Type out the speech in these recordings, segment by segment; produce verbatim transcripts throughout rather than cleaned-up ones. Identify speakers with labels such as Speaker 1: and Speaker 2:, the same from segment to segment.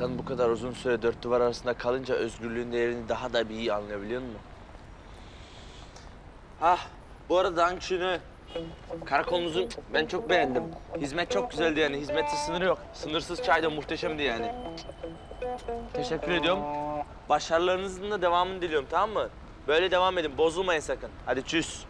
Speaker 1: İnsan bu kadar uzun süre dört duvar arasında kalınca özgürlüğün değerini daha da bir iyi anlayabiliyor musun? Ah, bu arada Dankşin'i, karakolumuzu ben çok beğendim. Hizmet çok güzeldi yani, hizmette sınırı yok. Sınırsız çay da muhteşemdi yani. Teşekkür ediyorum. Başarılarınızın da devamını diliyorum, tamam mı? Böyle devam edin, bozulmayın sakın. Hadi çüss.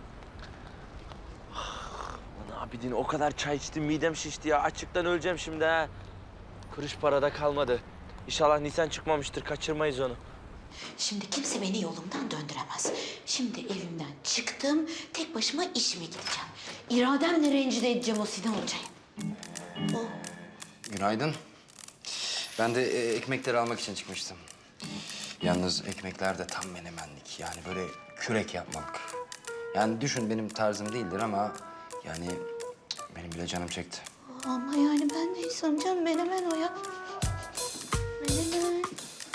Speaker 1: Lan abidin o kadar çay içtim, midem şişti ya. Açlıktan öleceğim şimdi ha. Kuruş parada kalmadı. İnşallah Nisan çıkmamıştır, kaçırmayız onu.
Speaker 2: Şimdi kimse beni yolumdan döndüremez. Şimdi evimden çıktım, tek başıma işime gideceğim. İrademle rencide edeceğim o Sinan Hoca'yı. O.
Speaker 3: Günaydın. Ben de e, ekmekleri almak için çıkmıştım. Yalnız ekmekler de tam menemenlik. Yani böyle kürek yapmak. Yani düşün benim tarzım değildir ama yani cık, benim bile canım çekti.
Speaker 2: Ama yani ben de insanım canım, menemen o ya. Menemen.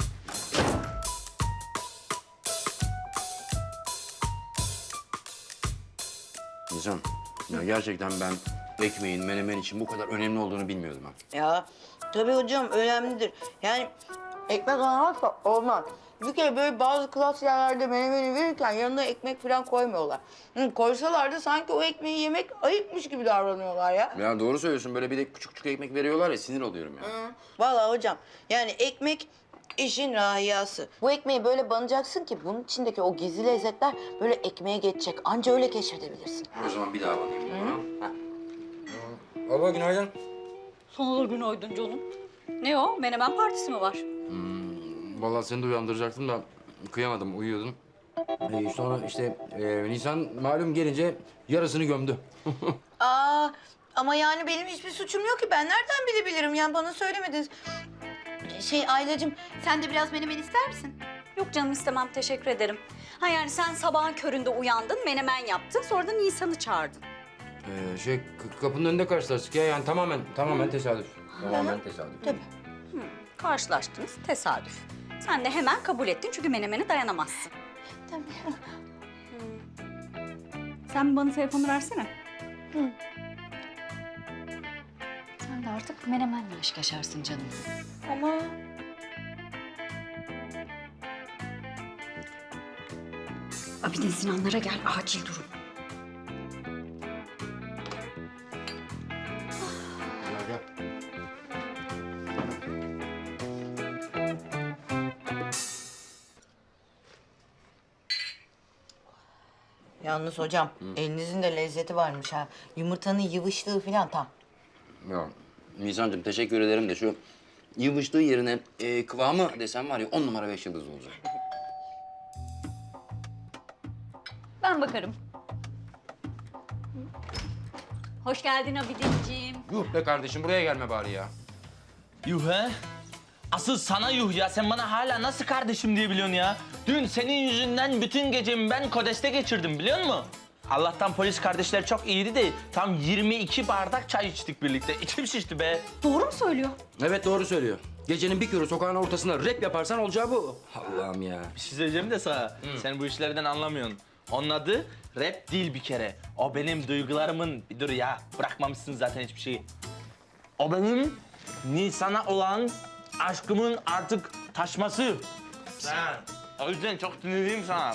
Speaker 3: Nizam, ya gerçekten ben ekmeğin menemen için bu kadar önemli olduğunu bilmiyordum ha.
Speaker 4: Ya tabii hocam önemlidir. Yani ekmek almazsa olmaz. Bir kere böyle bazı klas yerlerde menemeni verirken yanına ekmek falan koymuyorlar. Hı, koysalar da sanki o ekmeği yemek ayıpmış gibi davranıyorlar ya.
Speaker 3: Ya doğru söylüyorsun. Böyle bir de küçük küçük ekmek veriyorlar ya sinir oluyorum ya.
Speaker 4: Hı. Vallahi hocam yani ekmek işin rahiyası. Bu ekmeği böyle banacaksın ki bunun içindeki o gizli lezzetler böyle ekmeğe geçecek. Anca öyle keşfedebilirsin.
Speaker 3: O zaman bir daha banayım. Hı. Baba günaydın.
Speaker 5: Sana da günaydın canım. Ne o? Menemen partisi mi var?
Speaker 3: Vallahi seni de uyandıracaktım da kıyamadım, uyuyordum. Ee, sonra işte e, Nisan malum gelince yarısını gömdü.
Speaker 4: Aa ama yani benim hiçbir suçum yok ki. Ben nereden bilebilirim? Yani bana söylemediniz. Şey Aylacığım sen de biraz menemen ister misin?
Speaker 5: Yok canım istemem, teşekkür ederim. Ha yani sen sabahın köründe uyandın, menemen yaptın, sonra da Nisan'ı çağırdın.
Speaker 3: Ee, şey k- kapının önünde karşılaştık ya yani tamamen tamamen tesadüf. Tamamen tesadüf.
Speaker 4: Tabii.
Speaker 5: Hı, karşılaştınız, tesadüf. Sen de hemen kabul ettin çünkü menemene dayanamazsın.
Speaker 4: Tabii.
Speaker 5: Sen bana telefonu versene. Hı. Sen de artık menemenle aşk yaşarsın canım.
Speaker 4: Ama
Speaker 5: Abidin Sinanlara gel, acil durum.
Speaker 3: Gel gel.
Speaker 4: yalnız hocam elinizin de lezzeti varmış ha. Yumurtanın yıvışlığı falan tam.
Speaker 3: Ya Nisan'cığım teşekkür ederim de şu yıvıştığı yerine e, kıvamı desem var ya on numara beş yıldız olacak.
Speaker 5: Ben bakarım. Hoş geldin Abidinciğim.
Speaker 3: Yuh be kardeşim buraya gelme bari ya.
Speaker 1: Yuh he? Asıl sana yuh ya. Sen bana hala nasıl kardeşim diye biliyorsun ya? Dün senin yüzünden bütün gecemi ben Kodes'te geçirdim biliyor musun? Allah'tan polis kardeşler çok iyiydi de tam yirmi iki bardak çay içtik birlikte. İçim şişti be.
Speaker 5: Doğru mu söylüyor?
Speaker 3: Evet doğru söylüyor. Gecenin bir körü sokağın ortasında rap yaparsan olacağı bu. Allah'ım ya.
Speaker 1: Bir şey söyleyeceğim de sana. Sen bu işlerden anlamıyorsun. Onun adı rap değil bir kere. O benim duygularımın... Bir dur ya. Bırakmamışsın zaten hiçbir şeyi. O benim Nisan'a olan aşkımın artık taşması. Ha, o yüzden çok sinirliyim sana.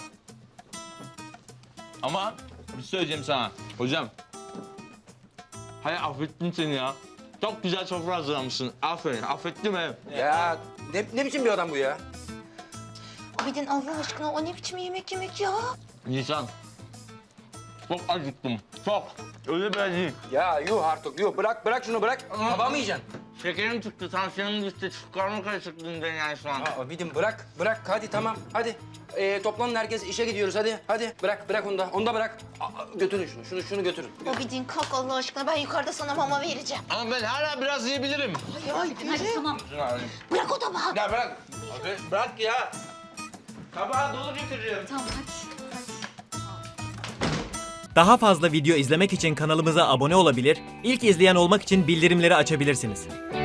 Speaker 1: Ama bir şey söyleyeceğim sana. Hocam. Hayır affettim seni ya. Çok güzel sofra hazırlamışsın. Aferin. Affettim he.
Speaker 3: Ya ne, ne biçim bir adam bu ya?
Speaker 4: Abidin Allah aşkına o ne biçim yemek yemek ya?
Speaker 1: Nisan. Çok acıktım. Çok. Öyle böyle değil.
Speaker 3: Ya yuh artık yuh bırak bırak şunu bırak. Hava mı yiyeceksin?
Speaker 1: Şekerim çıktı, tansiyonum düştü. Karnım karışık dünden yani şu an.
Speaker 3: Aa, Abidim bırak bırak hadi tamam hadi. Ee, toplanın herkes işe gidiyoruz hadi hadi. Bırak bırak onu da onu da bırak. Aa, götürün şunu şunu şunu götürün.
Speaker 4: Abidin kalk Allah aşkına, ben yukarıda sana mama vereceğim.
Speaker 1: Ama ben hala biraz yiyebilirim.
Speaker 4: Ay,
Speaker 5: Hadi tamam.
Speaker 4: bırak o tabağı.
Speaker 1: Ya bırak. Abi, bırak ya. Tabağı dolu getiriyorum.
Speaker 5: Tamam hadi.
Speaker 6: Daha fazla video izlemek için kanalımıza abone olabilir, ilk izleyen olmak için bildirimleri açabilirsiniz.